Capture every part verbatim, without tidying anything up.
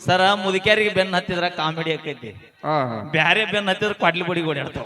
ಸರ ಮುದುಕ್ಯಾರಿಗೆ ಬೆನ್ನ ಹತ್ತಿದ್ರ ಕಾಮಿಡಿ ಆಕೈತಿ, ಬ್ಯಾರೆ ಬೆನ್ನ ಹತ್ತಿದ್ರ ಕ್ವಾಡ್ಲಿ ಬಡಿ ಓಡಾಡ್ತಾವ.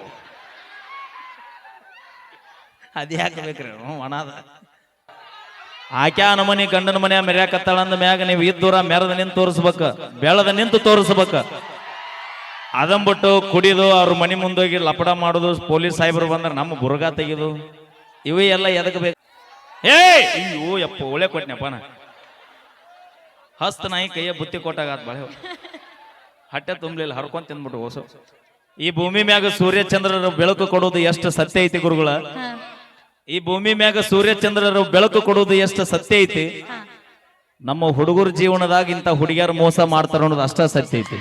ಅದ್ ಯಾಕೆ ಬೇಕ್ರಿ ಒಣದ ಆಕ್ಯಾ ನಮನಿ ಗಂಡನ ಮನೆಯ ಮೆರ್ಯಾಕತ್ತಾಳ ಅಂದ ಮ್ಯಾಗ ನೀವು ಇದ್ದೂರ ಮೆರದ ನಿಂತು ತೋರಿಸ್ಬೇಕ, ಬೆಳದ ನಿಂತು ತೋರಿಸ್ಬೇಕ. ಅದಂಬಿಟ್ಟು ಕುಡಿದು ಅವ್ರ ಮನೆ ಮುಂದೋಗಿ ಲಪಡ ಮಾಡುದು, ಪೊಲೀಸ್ ಸಾಹೇಬರು ಬಂದ್ರೆ ನಮ್ಮ ಬುರ್ಗ ತೆಗೆದು, ಇವೇ ಎಲ್ಲ ಎದಕ್ ಬೇಕು? ಏ ಅಯ್ಯೋ ಯಪ್ಪ ಒಳ್ಳೆ ಕೊಟ್ನಪ್ಪ ನಾ. ಹಸ್ತ ನಾಯಿ ಕೈಯ ಬುತ್ತಿ ಕೊಟ್ಟಾಗ ಬಾಳೆ ಹಟ್ಟೆ ತುಂಬಲಿಲ್ಲ, ಹರ್ಕೊಂಡ್ ತಿಂದ್ಬಿಟ್ಟು ಹೊಸ. ಈ ಭೂಮಿ ಮ್ಯಾಗ ಸೂರ್ಯ ಚಂದ್ರರ ಬೆಳಕು ಕೊಡೋದು ಎಷ್ಟು ಸತ್ಯ ಐತಿ ಗುರುಗಳ? ಈ ಭೂಮಿ ಮ್ಯಾಗ ಸೂರ್ಯ ಚಂದ್ರರ ಬೆಳಕು ಕೊಡೋದು ಎಷ್ಟು ಸತ್ಯ ಐತಿ. ನಮ್ಮ ಹುಡುಗರ ಜೀವನದಾಗ ಇಂತ ಹುಡುಗಿಯರು ಮೋಸ ಮಾಡ್ತಾರ ಅನ್ನೋದು ಅಷ್ಟ ಸತ್ಯ ಐತಿ.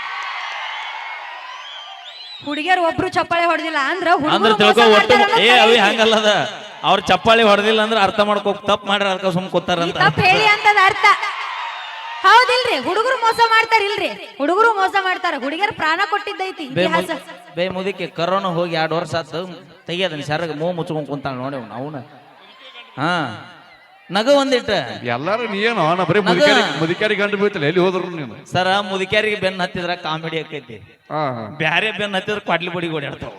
ಹುಡುಗಿಯರು ಒಬ್ರು ಚಪ್ಪಾಳೆ ಹೊಡೆದಿಲ್ಲ ಅಂದ್ರ ಅಂದ್ರೆ ತಿಳ್ಕೊ ಒಟ್ಟು ಏ ಅವಿ ಹಂಗಲ್ಲದ, ಅವ್ರ ಚಪ್ಪಾಳಿ ಹೊಡೆದಿಲ್ಲ ಅಂದ್ರೆ ಅರ್ಥ ಮಾಡ್ಕೋ ತಪ್ಪು ಮಾಡ್ರ ಅರ್ಥ ಸುಮ್ ಕೂತಾರಂತ ಹೇಳಿ ಅಂತದ ಅರ್ಥ. ಹೌದಿಲ್ರಿ, ಹುಡುಗರು ಮೋಸ ಮಾಡ್ತಾರ ಇಲ್ರಿ, ಹುಡುಗರು ಮೋಸ ಮಾಡ್ತಾರ, ಹುಡುಗಿಯರು ಪ್ರಾಣ ಕೊಟ್ಟಿದ್ದೈತಿ ಇತಿಹಾಸ. ಬೇ ಮುದಿಕೆ ಕರೋನಾ ಹೋಗಿ ಎರಡು ವರ್ಷ ಆತು, ತೆಗಿಯೋದನ್ನ ಸರಗ ಮೂ ಮುಚ್ಕೊಂಡ್ ಕುಂತಾಳ ನೋಡಿ ಅವನ. ಹಾ ನಗ ಒಂದಿಟ್ಟ ಎಲ್ಲಾರು ನೀನು ಬರೀ ಮುದಿಕ್ಯಾರಿ ಗಂಡು ಬೀಳ್ತಿಲ್ಲ, ಎಲ್ಲಿ ಹೋದ್ರು ನೀನು? ಸರ ಮುದಿಕ್ಯಾರಿಗೆ ಬೆನ್ನ ಹತ್ತಿದ್ರ ಕಾಮಿಡಿ ಆಕೈತಿ, ಬ್ಯಾರೆ ಬೆನ್ನ ಹತ್ತಿದ್ರ ಕ್ವಾಡ್ಲಿ ಬಡಿ ಓಡಾಡ್ತಾವ.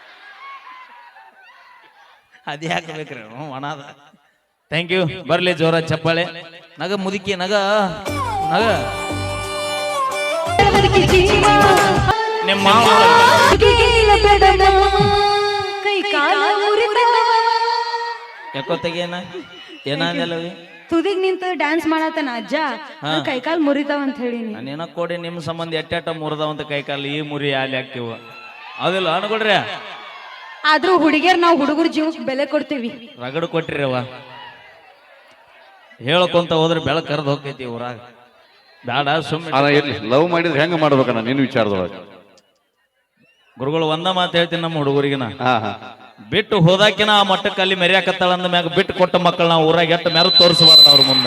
ಅದ್ ಯಾಕೆ ಬೇಕ್ರಿ ಒಣದ. Thank you. ಬರ್ಲಿ ಜೋರ ಚಪ್ಪಾಳೆ. ನಗ ಮುದುಕಿ ನಗ ನಗ. ನಿಮ್ಮ ಯಾಕೋ ತೆಗೇನ ಏನಾಗಲ್ಲವಿ ತುದಿಗ್ ನಿಂತ ಡ್ಯಾನ್ಸ್ ಮಾಡತನ ಅಜ್ಜ, ಕೈಕಾಲ್ ಮುರಿತಾವ ಅಂತ ಹೇಳಿ ನಾನೇನ ಕೊಡಿ ನಿಮ್ ಸಂಬಂಧ ಎಟ್ಟ ಮುರಿದಾವಂತ ಕೈಕಾಲು ಈ ಮುರಿ ಅಲ್ಲಿ ಹಾಕ್ತಿವ ಅದಿಲ್ಲ ಅನ್ಕೊಡ್ರಿ. ಆದ್ರೂ ಹುಡುಗಿಯರ್ ನಾವು ಹುಡುಗರ ಜೀವಕ್ಕೆ ಬೆಲೆ ಕೊಡ್ತೀವಿ. ರಗಡು ಕೊಟ್ರಿ ಅವ ಹೇಳ್ಕೊಂತ ಹೋದ್ರೆ ಬೆಳಕ್ ಕರೆದು ಹೋಗ್ತೈತಿ ಊರಾಗ. ಬೇಡ ಸುಮ್ಮನೆ ಲವ್ ಮಾಡಿದ್ರೆ ಹೆಂಗ ಮಾಡ್ಬೇಕಣ್ಣ ನೀನು ವಿಚಾರದೊಳಗ? ಗುರುಗಳು ಒಂದ ಮಾತು ಹೇಳ್ತೀನಿ ನಮ್ಮ ಹುಡುಗರಿಗಿನ, ಬಿಟ್ಟು ಹೋದಾಕಿನ ಆ ಮಟ್ಟಕ್ಕೆ ಅಲ್ಲಿ ಮೆರ್ಯಾಕತ್ತಾಳ ಅಂದ ಮ್ಯಾಗ ಬಿಟ್ಟು ಕೊಟ್ಟ ಮಕ್ಕಳು ನಾವು ಊರಾಗ ಎಟ್ಟು ಮೆರ ತೋರಿಸಬಾರ್ದು ಅವ್ರ ಮುಂದ.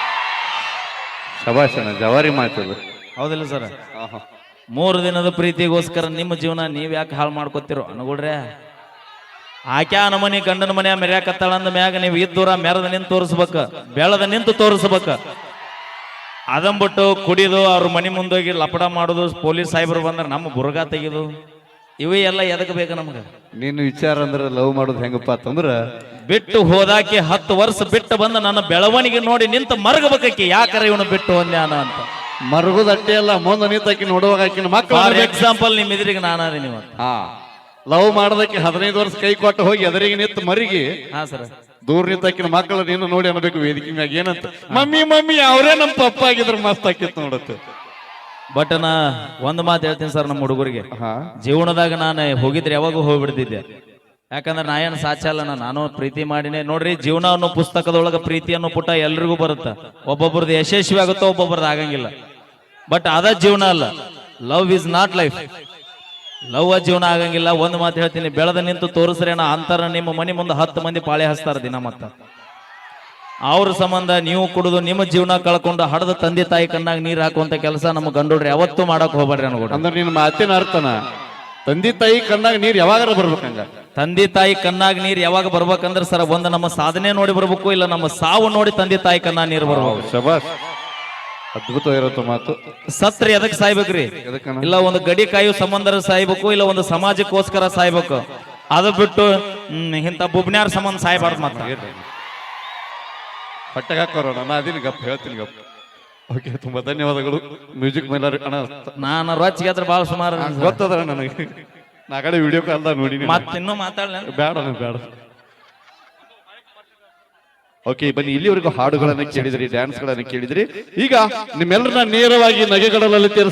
ಶಬಾಷಣ ಜವಾರಿ ಮಾತದು. ಹೌದಿಲ್ಲ ಸರ್? ಮೂರು ದಿನದ ಪ್ರೀತಿಗೋಸ್ಕರ ನಿಮ್ಮ ಜೀವನ ನೀವ್ ಯಾಕೆ ಹಾಳು ಮಾಡ್ಕೊತಿರೋ ಅನ್ಕೊಡ್ರೆ. ಆಕ್ಯಾ ನಮನಿ ಗಂಡನ ಮನೆಯ ಮೆರ್ಯಾಕತ್ತಾಳ ಅಂದ ಮ್ಯಾಗ ನೀವು ಇದ್ದೂರ ಮೆರದ ನಿಂತು ತೋರಿಸ್ಬೇಕ, ಬೆಳದ ನಿಂತು ತೋರಿಸ್ಬೇಕ. ಅದಂಬಿಟ್ಟು ಕುಡಿದು ಅವ್ರ ಮನೆ ಮುಂದೋಗಿ ಲಪಡ ಮಾಡುದು, ಪೊಲೀಸ್ ಸಾಹೇಬರು ಬಂದ್ರೆ ನಮ್ಮ ಬುರ್ಗ ತೆಗೆದು, ಇವೇ ಎಲ್ಲ ಎದಕ್ ಬೇಕು ನಮ್ಗ? ನೀನು ವಿಚಾರ ಅಂದ್ರೆ ಲವ್ ಮಾಡೋದು ಹೆಂಗಪ್ಪ ಅಂತಂದ್ರ, ಬಿಟ್ಟು ಹೋದಾಕಿ ಹತ್ತು ವರ್ಷ ಬಿಟ್ಟು ಬಂದ ನನ್ನ ಬೆಳವಣಿಗೆ ನೋಡಿ ನಿಂತ ಮರಗಬೇಕಿ, ಯಾಕರ ಇವನು ಬಿಟ್ಟು ಒಂದ್ಯಾನ ಅಂತ. ಮರಗುದ ಅಟ್ಟೆ ಅಲ್ಲ, ಮುಂದೆ ನಿಂತಾಕಿ ನೋಡುವಾಗ ಆಕಿನ ಮಕ್ಕಳು. ಫಾರ್ ಎಕ್ಸಾಂಪಲ್ ನಿಮ್ ಎದುರಿಗೆ ನಾನಾದೀನಿ ಇವತ್ತು. ಹಾ ಲವ್ ಮಾಡೋದಕ್ಕೆ ಹದಿನೈದು ವರ್ಷ ಕೈ ಕೊಟ್ಟು ಹೋಗಿ ಎದುರಿಗೆ ನಿಂತು ಮರಿಗೆ ಹಾ ಸರ್ ದೂರ ನಿಂತಾಕಿನ ಮಕ್ಕಳು ನೀನು ನೋಡಿ ಅನ್ಬೇಕು ವೇದಿಕೆ ಮ್ಯಾಗ ಏನಂತ, ಮಮ್ಮಿ ಮಮ್ಮಿ ಅವರೇ ನಮ್ಮ ಪಪ್ಪ ಆಗಿದ್ರು ಮಸ್ತ್ ಆಕಿತ್ತು ನೋಡತ್ತೆ. ಬಟ್ ನಾ ಒಂದ್ ಮಾತು ಹೇಳ್ತೀನಿ ಸರ್ ನಮ್ಮ ಹುಡುಗರಿಗೆ, ಜೀವನದಾಗ ನಾನು ಹೋಗಿದ್ರೆ ಯಾವಾಗ ಹೋಗ್ಬಿಡ್ತಿದ್ದೆ. ಯಾಕಂದ್ರೆ ನಾ ಏನು ಸಾಚ ಅಲ್ಲ, ನಾನು ಪ್ರೀತಿ ಮಾಡಿನೇ ನೋಡ್ರಿ. ಜೀವನ ಅನ್ನೋ ಪುಸ್ತಕದೊಳಗ ಪ್ರೀತಿ ಅನ್ನೋ ಪುಟ ಎಲ್ರಿಗೂ ಬರುತ್ತ, ಒಬ್ಬೊಬ್ರದ್ದು ಯಶಸ್ವಿ ಆಗುತ್ತೋ ಒಬ್ಬೊಬ್ರದ್ದು ಆಗಂಗಿಲ್ಲ. ಬಟ್ ಅದ ಜೀವನ ಅಲ್ಲ, love is not life. Love ಜೀವನ ಆಗಂಗಿಲ್ಲ. ಒಂದ್ ಮಾತು ಹೇಳ್ತೀನಿ, ಬೆಳೆದ ನಿಂತು ತೋರಿಸ್ರೇನ ಅಂತಾರ ನಿಮ್ಮ ಮನೆ ಮುಂದೆ ಹತ್ತು ಮಂದಿ ಪಾಳೆ ಹಚ್ತಾರ ದಿನ. ಮತ್ತ ಅವ್ರ ಸಂಬಂಧ ನೀವು ಕುಡಿದು ನಿಮ್ಮ ಜೀವನ ಕಳ್ಕೊಂಡು ಹಡದ ತಂದೆ ತಾಯಿ ಕಣ್ಣಾಗ ನೀರ್ ಹಾಕುವಂತ ಕೆಲಸ ನಮ್ಮ ಗಂಡೋಡ್ರಿ ಯಾವತ್ತೂ ಮಾಡಕ್ ಹೋಗ್ಬೇಡ್ರಿ ಅನ್ಕೊಡ್ರಿ. ಅಂದ್ರೆ ನಿನ್ನ ಮಾತಿನ ಅರ್ಥನ ತಂದೆ ತಾಯಿ ಕಣ್ಣಾಗ ನೀರ್ ಯಾವಾಗ ಬರ್ಬೇಕಂಗ? ತಂದೆ ತಾಯಿ ಕಣ್ಣಾಗ ನೀರ್ ಯಾವಾಗ ಬರ್ಬೇಕಂದ್ರೆ ಸರ್, ಒಂದ್ ನಮ್ಮ ಸಾಧನೆ ನೋಡಿ ಬರ್ಬೇಕು, ಇಲ್ಲ ನಮ್ಮ ಸಾವು ನೋಡಿ ತಂದೆ ತಾಯಿ ಕಣ್ಣಾಗ ನೀರ್ ಬರ್ಬೇಕು. ಶಬಾಷ್, ಅದ್ಭುತ ಇರತ್ತ ಮಾತು. ಸತ್ರ ಎದಕ್ ಸಾಯ್ಬೇಕ್ರಿ? ಇಲ್ಲ ಒಂದು ಗಡಿ ಕಾಯು ಸಂಬಂಧ ಸಾಯ್ಬೇಕು, ಇಲ್ಲ ಒಂದು ಸಮಾಜಕ್ಕೋಸ್ಕರ ಸಾಯ್ಬೇಕು. ಅದು ಬಿಟ್ಟು ಹ್ಮ್ ಇಂತ ಬುಬ್ನ್ಯಾರ ಸಂಬಂಧ ಸಾಯ್ಬಾರ್ದು. ಮಾತ್ರ ಹೊಟ್ಟೆಗೆ ಹಾಕೋರೋಣ, ನಾ ಅದೀನಿ ಗಪ್ ಹೇಳ್ತೀನಿ ಗಪ್. ಓಕೆ, ತುಂಬಾ ಧನ್ಯವಾದಗಳು. ಮ್ಯೂಸಿಕ್ ಮೇಲೆ ಅಣ್ಣ ನಾನು ರೊಚ್ಚಿಗೆ ಅದ್ರ ಭಾಳ ಸುಮಾರು ಗೊತ್ತದ ನನಗೆ, ನಾ ಕಡೆ ವಿಡಿಯೋ ಕಾಲ್ದಾಗ ನೋಡಿ. ಮತ್ತಿನ್ನೂ ಮಾತಾಡಲ ಬೇಡ ಬೇಡ. ಓಕೆ, ಬನ್ನಿ. ಇಲ್ಲಿವರೆಗೂ ಹಾಡುಗಳನ್ನ ಕೇಳಿದ್ರಿ, ಡ್ಯಾನ್ಸ್ ಗಳನ್ನ ಕೇಳಿದ್ರಿ. ಈಗ ನಿಮ್ಮೆಲ್ಲರನ್ನ ನೇರವಾಗಿ ನಗೆಗಳಲ್ಲಿ